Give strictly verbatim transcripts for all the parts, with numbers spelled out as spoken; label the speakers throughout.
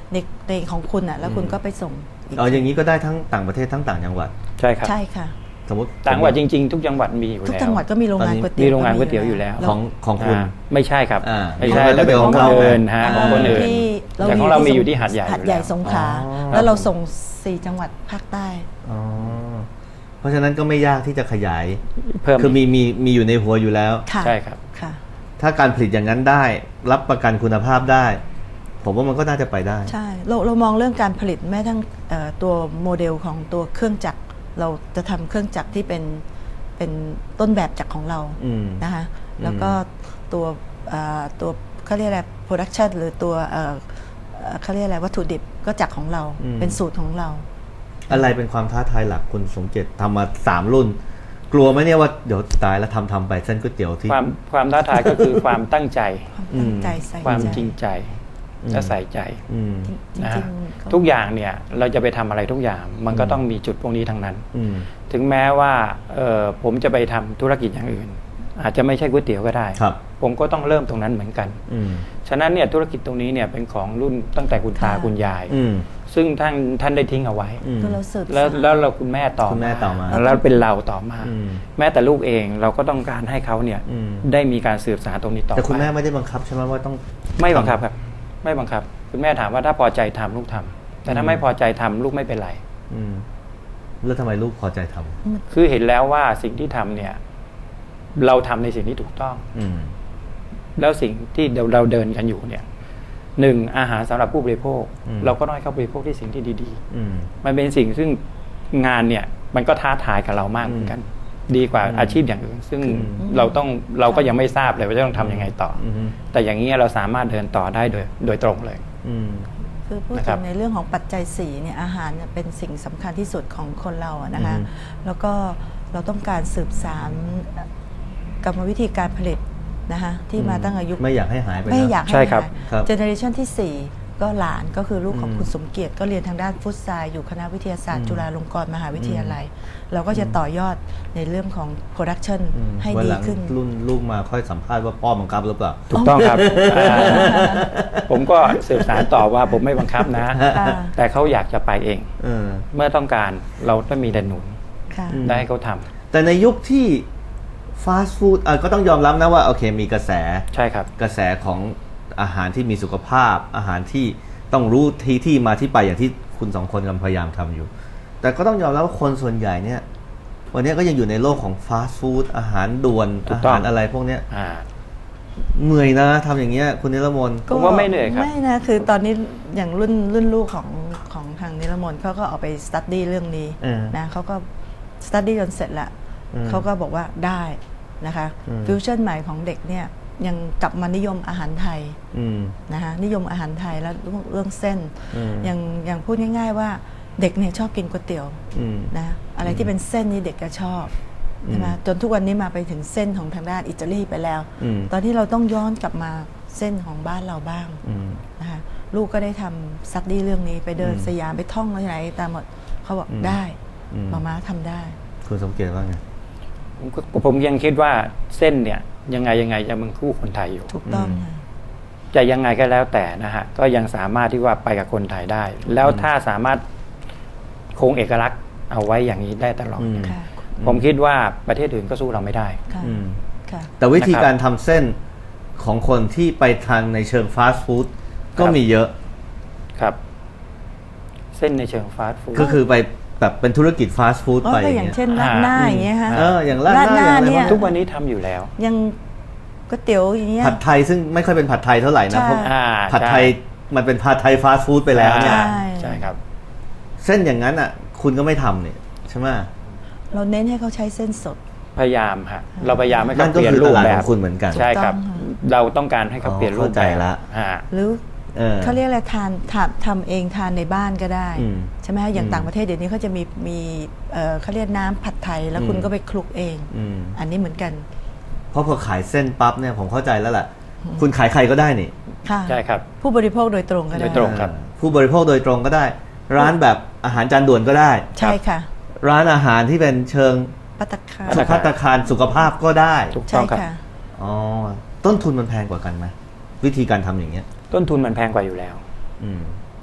Speaker 1: ในในของคุณอ่ะแล้วคุณก็ไปส่ง
Speaker 2: อ๋ออย่างนี้ก็ได้ทั้งต่างประเทศทั้งต่างจังหวัด
Speaker 3: ใช่ครับ
Speaker 1: ใช่ค่ะ
Speaker 2: สมมติ
Speaker 3: ต่างจังหวัดจริงๆทุกจังหวัดมีอยู่แล้ว
Speaker 1: ทุกจังหวัดก็มีโรงงานก๋วยเตี๋ยว
Speaker 3: มีโรงงานก๋วยเตี๋ยวอยู่แล้ว
Speaker 2: ของของคุณ
Speaker 3: ไม่ใช่ครับไม่ใช่
Speaker 2: แต่
Speaker 3: แต่เป็นของคนอื่นฮะของคนอื่นแต่ของเรามีอยู่ที่หาดใหญ่
Speaker 1: หาดใหญ่สงขลาแล้วเราส่งสี่จังหวัดภาคใต้
Speaker 2: เพราะฉะนั้นก็ไม่ยากที่จะขยาย
Speaker 3: เพิ่ม
Speaker 2: คือมีมีมีอยู่ในหัวอยู่แล้ว
Speaker 3: ใช่ครับ
Speaker 1: ค่ะ
Speaker 2: ถ้าการผลิตอย่างนั้นได้รับประกันคุณภาพได้ผมว่ามันก็น่าจะไปได้
Speaker 1: ใช่เราเรามองเรื่องการผลิตแม้ทั้งตัวโมเดลของตัวเครื่องจักรเราจะทำเครื่องจักรที่เป็นเป็นต้นแบบจากของเรานะคะแล้วก็ตัวตัวเขาเรียกอะไร production หรือตัวเขาเรียกอะไรวัตถุดิบก็จากของเราเป็นสูตรของเรา
Speaker 2: อะไรเป็นความท้าทายหลักคุณสมเจตทำมาสามรุ่นกลัวไหมเนี่ยว่าเดี๋ยวตายแล้วทำทำไปเส้นก๋วยเตี๋ยวที่
Speaker 3: ความความท้าทายก็คือความตั้งใจความจริงใจและใส่ใจนะทุกอย่างเนี่ยเราจะไปทำอะไรทุกอย่างมันก็ต้องมีจุดพวกนี้ทั้งนั้นถึงแม้ว่าผมจะไปทำธุรกิจอย่างอื่นอาจจะไม่ใช่ก๋วยเตี๋ยวก็ได้ผมก็ต้องเริ่มตรงนั้นเหมือนกันฉะนั้นเนี่ยธุรกิจตรงนี้เนี่ยเป็นของรุ่นตั้งแต่คุณตาคุณยายซึ่งท่านท่านได้ทิ้งเอาไว้แล้วแล้วเราคุณแม่ต่อมาแล้วเป็นเราต่อมาแม้แต่ลูกเองเราก็ต้องการให้เขาเนี่ยได้มีการสืบสานตรงนี้ต่อไป
Speaker 2: แต่คุณแม่ไม่ได้บังคับใช่ไหมว่าต้อง
Speaker 3: ไม่บังคับครับไม่บังคับคุณแม่ถามว่าถ้าพอใจทำลูกทำแต่ถ้าไม่พอใจทำลูกไม่เป็นไร
Speaker 2: แล้วทำไมลูกพอใจท
Speaker 3: ำคือเห็นแล้วว่าสิ่งที่ทำเนี่ยเราทำในสิ่งที่ถูกต้องแล้วสิ่งที่เราเดินกันอยู่เนี่ยหนึ่งอาหารสำหรับผู้บริโภคเราก็น้อยเข้าบริโภคที่สิ่งที่ดีๆมันเป็นสิ่งซึ่งงานเนี่ยมันก็ท้าทายกับเรามากเหมือนกันดีกว่าอาชีพอย่างอื่นซึ่งเราต้องเราก็ยังไม่ทราบเลยว่าจะต้องทำยังไงต่อแต่อย่างนี้เราสามารถเดินต่อได้โดยโดยตรงเลย
Speaker 1: คือพูดถึงในเรื่องของปัจจัยสี่เนี่ยอาหารเป็นสิ่งสำคัญที่สุดของคนเราอะนะคะแล้วก็เราต้องการสืบสานกรรมวิธีการผลิตนะคะที่มาตั้งอายุ
Speaker 2: ไม่อยากให้หายไป
Speaker 1: ไม่อยากให้หายเจเนอเรชันที่สี่ก็หลานก็คือลูกของคุณสมเกียรติก็เรียนทางด้านฟุตซายอยู่คณะวิทยาศาสตร์จุฬาลงกรณ์มหาวิทยาลัยเราก็จะต่อยอดในเรื่องของโปรดักชันให้ดีขึ้น
Speaker 2: รุ่นลูกมาค่อยสัมภาษณ์ว่าพ่อบังคับหรือเปล่า
Speaker 3: ถูกต้องครับผมก็สืบสานต่อว่าผมไม่บังคับนะแต่เขาอยากจะไปเองเมื่อต้องการเราต้องมีแต่หนุนได้ให้เขาทำ
Speaker 2: แต่ในยุคที่ฟาสต์ฟู้ดก็ต้องยอมรับนะว่าโอเคมีกระแส
Speaker 3: ใช่ครับ
Speaker 2: กระแสของอาหารที่มีสุขภาพอาหารที่ต้องรู้ที่ที่มาที่ไปอย่างที่คุณสองคนกำลังพยายามทำอยู่แต่ก็ต้องยอมรับว่าคนส่วนใหญ่เนี่ยวันนี้ก็ยังอยู่ในโลกของฟาสต์ฟู้ดอาหารด่วนอาหารอะไรพวกนี้เหนื่อยนะทำอย่างเงี้ยคุณนิรมน
Speaker 3: ผมว่าไม่เหนื่อยครับ
Speaker 1: ไม่นะคือตอนนี้อย่างรุ่นรุ่นลูกของของทางนิรมนเขาก็เอาไปสตั๊ดดี้เรื่องนี้นะเขาก็สตั๊ดดี้จนเสร็จละเขาก็บอกว่าได้นะคะฟิวชั่นใหม่ของเด็กเนี่ยยังกลับมานิยมอาหารไทยนะคะนิยมอาหารไทยแล้วเรื่องเส้นยังยังพูดง่ายๆว่าเด็กเนี่ยชอบกินก๋วยเตี๋ยวนะอะไรที่เป็นเส้นนี่เด็กก็ชอบใช่ไหมจนทุกวันนี้มาไปถึงเส้นของทางด้านอิตาลีไปแล้วตอนที่เราต้องย้อนกลับมาเส้นของบ้านเราบ้างนะคะลูกก็ได้ทำซัดดี้เรื่องนี้ไปเดินสยามไปท่องอะไรตามหมดเขาบอกได้มาม่าทำได้
Speaker 2: คุณสมเกียรติว่าไง
Speaker 3: ผมยังคิดว่าเส้นเนี่ยยังไงยังไงจะมึงคู่คนไทยอยู่
Speaker 1: ถูกต้อง
Speaker 3: จะยังไงก็แล้วแต่นะฮะก็ยังสามารถที่ว่าไปกับคนไทยได้แล้วถ้าสามารถคงเอกลักษณ์เอาไว้อย่างนี้ได้ตลอดผมคิดว่าประเทศอื่นก็สู้เราไม่ได้
Speaker 2: แต่วิธีการทำเส้นของคนที่ไปทางในเชิงฟาสต์ฟู้ดก็มีเยอะ
Speaker 3: ครับเส้นในเชิงฟาสต์ฟู้ด
Speaker 2: ก็คือไปแบบเป็นธุรกิจฟาสต์ฟู้ดไป
Speaker 1: อย่างเช่นราดหน้าอย่างเงี้ยฮะ
Speaker 2: เอออย่างราดหน้า
Speaker 1: เนี่ย
Speaker 3: ทุกวันนี้ทำอยู่แล้ว
Speaker 1: ยังก๋วยเตี๋ยวอย่างเงี้ย
Speaker 2: ผัดไทยซึ่งไม่ค่อยเป็นผัดไทยเท่าไหร่นะเพราะผัดไทยมันเป็นผัดไทยฟาสต์ฟู้ดไปแล้วเนี่ย
Speaker 3: ใช่ครับ
Speaker 2: เส้นอย่างนั้นอ่ะคุณก็ไม่ทำเนี่ยใช่ไหม
Speaker 1: เราเน้นให้เขาใช้เส้นสด
Speaker 3: พยายามฮะเราพยายามให้เขาเปลี่ยนรูปแบบ
Speaker 2: คุณเหมือนกัน
Speaker 3: ใช่ครับเราต้องการให้เขาเปลี่ยนรูปแบบ
Speaker 1: หรือเขาเรียกอะไรทานทำเองทานในบ้านก็ได้ใช่ไหมอย่างต่างประเทศเดี๋ยวนี้เขาจะมีมีเขาเรียกน้ำผัดไทยแล้วคุณก็ไปคลุกเองอันนี้เหมือนกัน
Speaker 2: เพราะพอขายเส้นปั๊บเนี่ยผมเข้าใจแล้วแหละคุณขายใครก็ได้นี่
Speaker 3: ใช่ครับ
Speaker 1: ผู้บริโภคโดยตรงก็ได้
Speaker 3: โดยตรงครับ
Speaker 2: ผู้บริโภคโดยตรงก็ได้ร้านแบบอาหารจานด่วนก็ได้
Speaker 1: ใช่ค่ะ
Speaker 2: ร้านอาหารที่เป็นเชิง
Speaker 1: ภัตตาคาร
Speaker 2: ภัตตาคารสุขภาพก็ได้
Speaker 3: ถูกต้องครับ
Speaker 2: อ๋อต้นทุนมันแพงกว่ากันไหมวิธีการทำอย่างเงี้ย
Speaker 3: ต้นทุนมันแพงกว่าอยู่แล้ว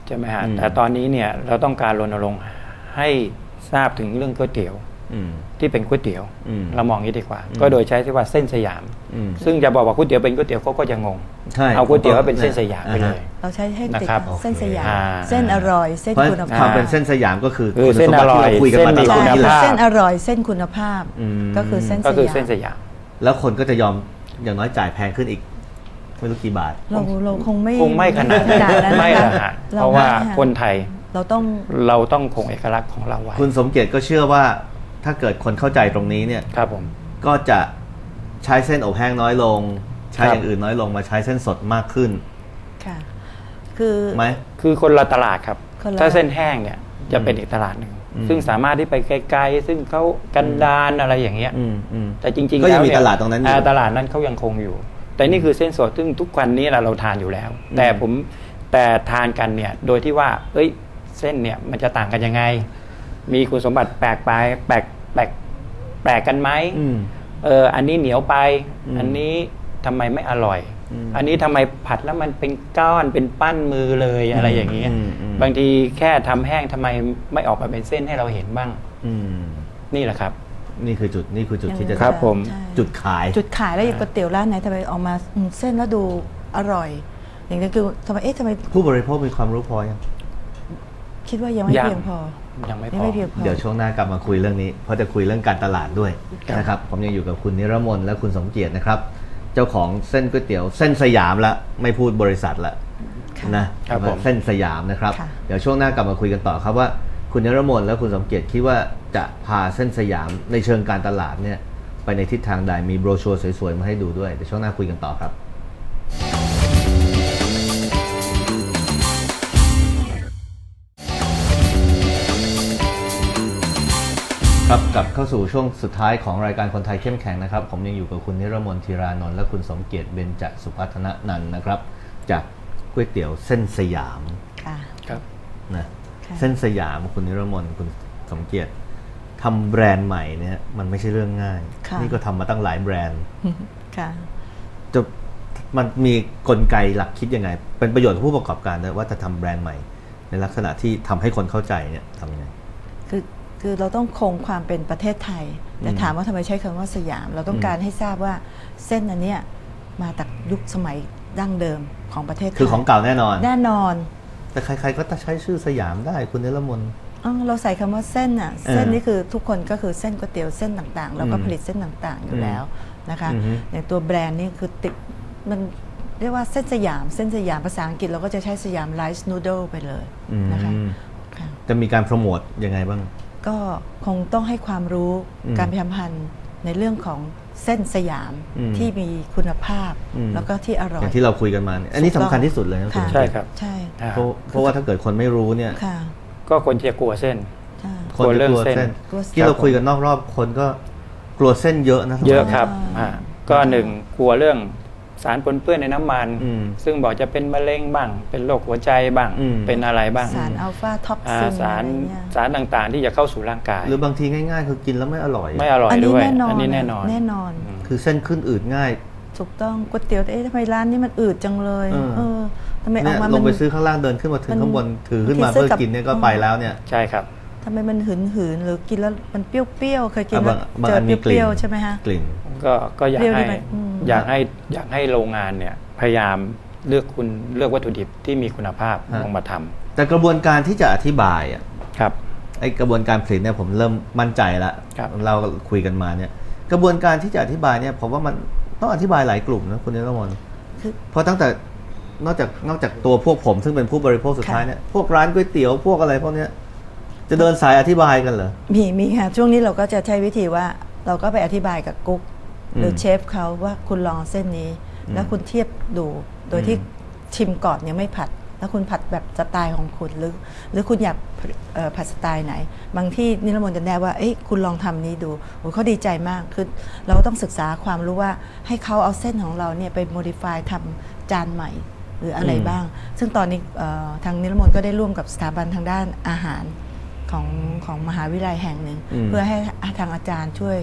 Speaker 3: ใช่ไหมฮะแต่ตอนนี้เนี่ยเราต้องการรณรงค์ให้ทราบถึงเรื่องก๋วยเตี๋ยวที่เป็นก๋วยเตี๋ยวเรามองอย่างนี้ดีกว่าก็โดยใช้ที่ว่าเส้นสยามซึ่งจะบอกว่าก๋วยเตี๋ยวเป็นก๋วยเตี๋ยวเขาก็จะงงเอาก๋วยเตี๋ยวเป็นเส้นสยามไปเลย
Speaker 1: เราใช้ให้ติดเส้นสยามเส้นอร่อยเส้นคุณภาพ
Speaker 2: ความเป็นเส้นสยามก็คือ
Speaker 3: เส้นอร่อย
Speaker 2: คุยกันมาตลอดนี่แหละ
Speaker 1: เส้นอร่อยเส้นคุณภาพก็คือเส้น
Speaker 3: ก็คือเส้นสยาม
Speaker 2: แล้วคนก็จะยอมอย่างน้อยจ่ายแพงขึ้นอีกไม่รู้กี่บาท
Speaker 1: เราเราคงไม่
Speaker 3: คงไม่ขนาดนั้นไม่ละฮะเพราะว่าคนไทย
Speaker 1: เราต้อง
Speaker 3: เราต้องคงเอกลักษณ์ของเราไว้
Speaker 2: คุณสมเกียรติก็เชื่อว่าถ้าเกิดคนเข้าใจตรงนี้เนี่ย
Speaker 3: ครับผม
Speaker 2: ก็จะใช้เส้นอบแห้งน้อยลงใช้อย่างอื่นน้อยลงมาใช้เส้นสดมากขึ้น
Speaker 1: ค่ะคือ
Speaker 2: ไหม
Speaker 3: คือคนละตลาดครับถ้าเส้นแห้งเนี่ยจะเป็นอีกตลาดหนึ่งซึ่งสามารถที่ไปไกลๆซึ่งเขากันดานอะไรอย่างเงี้ยแต่จริงๆ
Speaker 2: ก็ยังมีตลาดตรงนั้นอยู่
Speaker 3: ตลาดนั้นเขายังคงอยู่แต่นี่คือเส้นสดซึ่งทุกวันนี้เราทานอยู่แล้วแต่ผมแต่ทานกันเนี่ยโดยที่ว่าเอ้ยเส้นเนี่ยมันจะต่างกันยังไงมีคุณสมบัติแปลกไปแปลกแปลกแปลกกันไหมเอออันนี้เหนียวไปอันนี้ทำไมไม่อร่อยอันนี้ทำไมผัดแล้วมันเป็นก้อนเป็นปั้นมือเลยอะไรอย่างเงี้ยบางทีแค่ทำแห้งทำไมไม่ออกมาเป็นเส้นให้เราเห็นบ้างนี่แหละครับ
Speaker 2: นี่คือจุดนี่คือจุดที่จะ
Speaker 3: ครับผม
Speaker 2: จุดขาย
Speaker 1: จุดขายแล้วอย่างก๋วยเตี๋ยวร้านไหนทำไมออกมาเส้นแล้วดูอร่อยอย่างนี้คือทำไมเอ๊ะทำไม
Speaker 2: ผู้บริโภคมีความรู้พอยัง
Speaker 1: คิดว่ายังไม่เพียงพอ
Speaker 3: ยังไม่พอ
Speaker 2: เดี๋ยวช่วงหน้ากลับมาคุยเรื่องนี้เพราะจะคุยเรื่องการตลาดด้วยนะครับผมยังอยู่กับคุณนิรมนและคุณสมเกียรตินะครับเจ้าของเส้นก๋วยเตี๋ยวเส้นสยามละไม่พูดบริษัทละนะเส้นสยามนะครับเดี๋ยวช่วงหน้ากลับมาคุยกันต่อครับว่าคุณนิรมนและคุณสมเกียรติคิดว่าจะพาเส้นสยามในเชิงการตลาดเนี่ยไปในทิศทางใดมีโบรชัวร์สวยๆมาให้ดูด้วยเดี๋ยวช่วงหน้าคุยกันต่อครับครับกลับเข้าสู่ช่วงสุดท้ายของรายการคนไทยเข้มแข็งนะครับผมยังอยู่กับคุณนิรมน ธีรานนท์และคุณสมเกียรติเบญจสุพัฒนนันท์นะครับจากก๋วยเตี๋ยวเส้นสยาม
Speaker 1: ค่ะ
Speaker 3: ครับ
Speaker 2: นะเส้นสยามคุณนิรมนคุณสมเกียรติทำแบรนด์ใหม่เนี่ยมันไม่ใช่เรื่องง่ายนี่ก็ทำมาตั้งหลายแบรนด์
Speaker 1: ค่ะ
Speaker 2: จะมันมีกลไกหลักคิดยังไงเป็นประโยชน์กับผู้ประกอบการด้วยว่าจะทำแบรนด์ใหม่ในลักษณะที่ทำให้คนเข้าใจเนี่ยทำยังไง
Speaker 1: คือคือเราต้องคงความเป็นประเทศไทยแต่ถามว่าทำไมใช้คำว่าสยามเราต้องการให้ทราบว่าเส้นอันเนี้ยมาจากยุคสมัยดั้งเดิมของประเทศไทย
Speaker 2: คือของเก่าแน่นอน
Speaker 1: แน่นอน
Speaker 2: แต่ใครๆก็จะใช้ชื่อสยามได้คุณนิรมน
Speaker 1: เราใส่คำว่าเส้นอ่ะเส้นนี่คือทุกคนก็คือเส้นก๋วยเตี๋ยวเส้นต่างๆแล้วก็ผลิตเส้นต่างๆอยู่แล้วนะคะอย่างตัวแบรนด์นี่คือติดมันเรียกว่าเส้นสยามเส้นสยามภาษาอังกฤษเราก็จะใช้สยามไรซ์นูโดลไปเลยนะคะ
Speaker 2: จะมีการโปรโมทยังไงบ้าง
Speaker 1: ก็คงต้องให้ความรู้การพิพันธ์ในเรื่องของเส้นสยามที่มีคุณภาพแล้วก็ที่อร่อย
Speaker 2: อย่างที่เราคุยกันมาเนี่ยอันนี้สำคัญที่สุดเลยนะ
Speaker 3: ใช่ครับ
Speaker 1: ใช่
Speaker 2: เพราะเพราะว่าถ้าเกิดคนไม่รู้เนี่ย
Speaker 3: ก็คนจะกลัวเส้น
Speaker 2: คนจะกลัวเส้นที่เราคุยกันนอกรอบคนก็กลัวเส้นเยอะนะ
Speaker 3: เยอะครับก็หนึ่งกลัวเรื่องสารปนเปื้อนในน้ำมันซึ่งบอกจะเป็นมะเร็งบ้างเป็นโรคหัวใจบ้างเป็นอะไรบ้าง
Speaker 1: สารอัลฟาท็อกซิน
Speaker 3: สารสารต่างๆที่จะเข้าสู่ร่างกาย
Speaker 2: หรือบางทีง่ายๆคือกินแล้วไม่อร่อย
Speaker 3: ไม่อร่อยด้วย
Speaker 1: อันนี้แน่นอน
Speaker 3: แ
Speaker 1: น่นอน
Speaker 2: คือเส้นขึ้นอืดง่าย
Speaker 1: ถูกต้องก๋วยเตี๋ยวเอ๊ะทำไมร้านนี้มันอืดจังเลยเออทำไม
Speaker 2: ออกมาลงไปซื้อข้างล่างเดินขึ้นมาถึงข้างบนถือขึ้นมาเพื่อกินเนี่ยก็ไปแล้วเนี่ย
Speaker 3: ใช่ครับ
Speaker 1: ทำไมมันหืนหืนหรือกินแล้วมันเปรี้ยวๆเคยกินแล้วเจอเปรี้ยวๆใช่ไหมฮะ
Speaker 2: กลิ่น
Speaker 3: ก็ก็อยากให้อยากให้อยากให้โรงงานเนี่ยพยายามเลือกคุณเลือกวัตถุดิบที่มีคุณภาพลงมาทำ
Speaker 2: แต่กระบวนการที่จะอธิบายอ่ะ
Speaker 3: ครับ
Speaker 2: ไอกระบวนการผลิตเนี่ยผมเริ่มมั่นใจแล้วเราคุยกันมาเนี่ยกระบวนการที่จะอธิบายเนี่ยผมว่ามันต้องอธิบายหลายกลุ่มนะคุณนิรมนเพราะตั้งแต่นอกจากนอกจากตัวพวกผมซึ่งเป็นผู้บริโภคสุดท้ายเนี่ยพวกร้านก๋วยเตี๋ยวพวกอะไรพวกเนี้ยจะเดินสายอธิบายกันเหรอ
Speaker 1: มีมีค่ะช่วงนี้เราก็จะใช้วิธีว่าเราก็ไปอธิบายกับกุ๊กหรือเชฟเขาว่าคุณลองเส้นนี้แล้วคุณเทียบดูโดยที่ชิมก่อนยังไม่ผัดแล้วคุณผัดแบบสไตล์ของคุณหรือหรือคุณอยากผัดสไตล์ไหนบางที่นิรมนต์จะแนะว่าเอ้ยคุณลองทำนี้ดูโอ้เขาดีใจมากคือเราต้องศึกษาความรู้ว่าให้เขาเอาเส้นของเราเนี่ยไปโมดิฟายทำจานใหม่หรืออะไรบ้างซึ่งตอนนี้ทางนิรมนต์ก็ได้ร่วมกับสถาบันทางด้านอาหารของของมหาวิทยาลัยแห่งหนึ่งเพื่อให้ทางอาจารย์ช่วย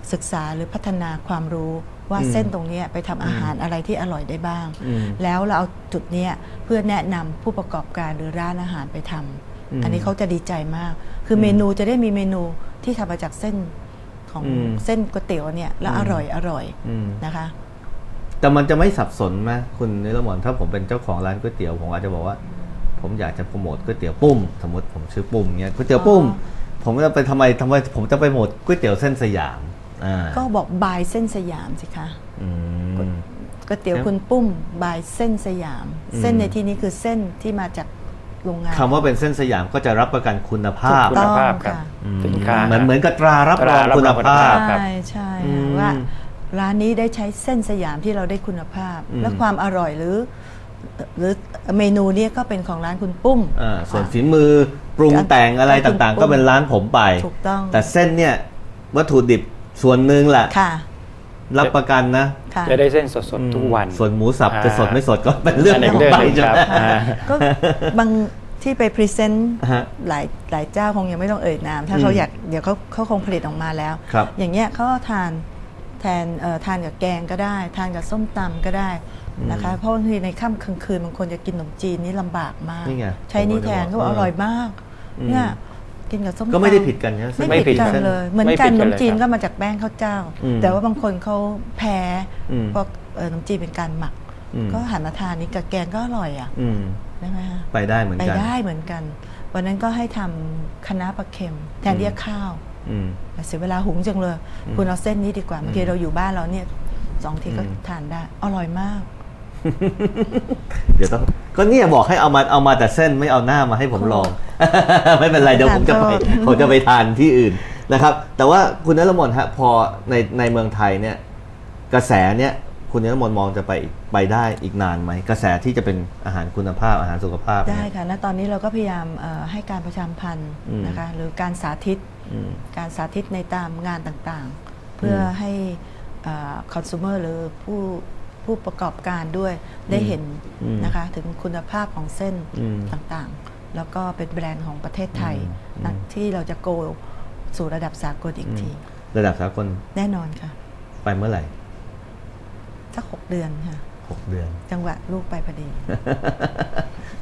Speaker 1: ศึกษาหรือพัฒนาความรู้ว่าเส้นตรงนี้ไปทำอาหารอะไรที่อร่อยได้บ้างแล้วเราเอาจุดนี้เพื่อแนะนำผู้ประกอบการหรือร้านอาหารไปทำอันนี้เขาจะดีใจมากคือเมนูจะได้มีเมนูที่ทำมาจากเส้นของเส้นก๋วยเตี๋ยวเนี่ยแล้วอร่อยอร่อยนะคะ
Speaker 2: แต่มันจะไม่สับสนไหมคุณนิรมนถ้าผมเป็นเจ้าของร้านก๋วยเตี๋ยวผมอาจจะบอกว่าผมอยากจะโปรโมทก๋วยเตี๋ยวปุ้มสมมติผมชื่อปุ้มเงี้ยก๋วยเตี๋ยวปุ้มผมจะไปทำไมทำไมผมจะไปโปรโมทก๋วยเตี๋ยวเส้นสยาม
Speaker 1: ก็บอกบายเส้นสยามสิคะก๋วยเตี๋ยวคุณปุ้มบายเส้นสยามเส้นในที่นี้คือเส้นที่มาจากโรงงาน
Speaker 2: คำว่าเป็นเส้นสยามก็จะรับประกันคุณภาพ
Speaker 3: คุณภาพครับสินค้า
Speaker 2: เหมือนเหมือนกับตรารับรองคุณภาพ
Speaker 1: ใช่ใช่ว่าร้านนี้ได้ใช้เส้นสยามที่เราได้คุณภาพและความอร่อยหรือหรือเมนูนี้ก็เป็นของร้านคุณปุ้ม
Speaker 2: ส่วนฝีมือปรุงแต่งอะไรต่างๆก็เป็นร้านผมไป
Speaker 1: ถูกต้อง
Speaker 2: แต่เส้นเนี่ยวัตถุดิบส่วนหนึ่งแหละรับประกันนะ
Speaker 3: จะได้เส้นสดๆทุกวัน
Speaker 2: ส่วนหมูสับจะสดไม่สดก็เป็นเรื่องของไป
Speaker 3: ครับ
Speaker 1: ก็บางที่ไปพรีเซนต์หลายหลายเจ้าคงยังไม่ต้องเอ่ยนามถ้าเขาอยากเดี๋ยวเขาเขาคงผลิตออกมาแล้วอย่างเงี้ยเขาทานแทนทานกับแกงก็ได้ทานกับส้มตำก็ได้นะคะเพราะบางทีในค่ำกลางคืนบางคนจะกินขนมจีนนี่ลำบากมากใช้นี่แทนก็อร่อยมากเนี่ยกินกับส้มตำ
Speaker 2: ก็ไม่ได้ผิดกันนะ
Speaker 1: ไม่ผิดกันเลยเหมือนกันขนมจีนก็มาจากแป้งข้าวเจ้าแต่ว่าบางคนเขาแพ้เพราะขนมจีนเป็นการหมักก็หันมาทานนี้กับแกงก็อร่อยอ่ะได้ไหมคะ
Speaker 2: ไปได้เหมือนกัน
Speaker 1: ไปได้เหมือนกันวันนั้นก็ให้ทำคะน้าปลาเค็มแทนเรียกข้าวแต่เสียเวลาหุงจังเลยคุณเอาเส้นนี้ดีกว่าเมื่อกี้เราอยู่บ้านเราเนี่ยสองทีก็ทานได้อร่อยมาก
Speaker 2: เดี๋ยวต้องก็เนี่ยบอกให้เอามาเอามาแต่เส้นไม่เอาหน้ามาให้ผมลองไม่เป็นไรเดี๋ยวผมจะไปผมจะไปทานที่อื่นนะครับแต่ว่าคุณนฤมลฮะพอในในเมืองไทยเนี่ยกระแสเนี่ยคุณนฤมลมองจะไปไปได้อีกนานไหมกระแสที่จะเป็นอาหารคุณภาพอาหารสุขภาพ
Speaker 1: ได้ค่ะณตอนนี้เราก็พยายามให้การประชาสัมพันธ์นะคะหรือการสาธิตการสาธิตในตามงานต่างๆเพื่อให้คอน sumer หรือผู้ผู้ประกอบการด้วยได้เห็นนะคะถึงคุณภาพของเส้นต่างๆแล้วก็เป็นแบรนด์ของประเทศไทยนะที่เราจะโกสู่ระดับสากลอีกที
Speaker 2: ระดับสากล
Speaker 1: แน่นอนค่ะ
Speaker 2: ไปเมื่อไหร่
Speaker 1: สักหกเดือนค่ะ
Speaker 2: หกเดือน
Speaker 1: จังหวะลูกไปพอดี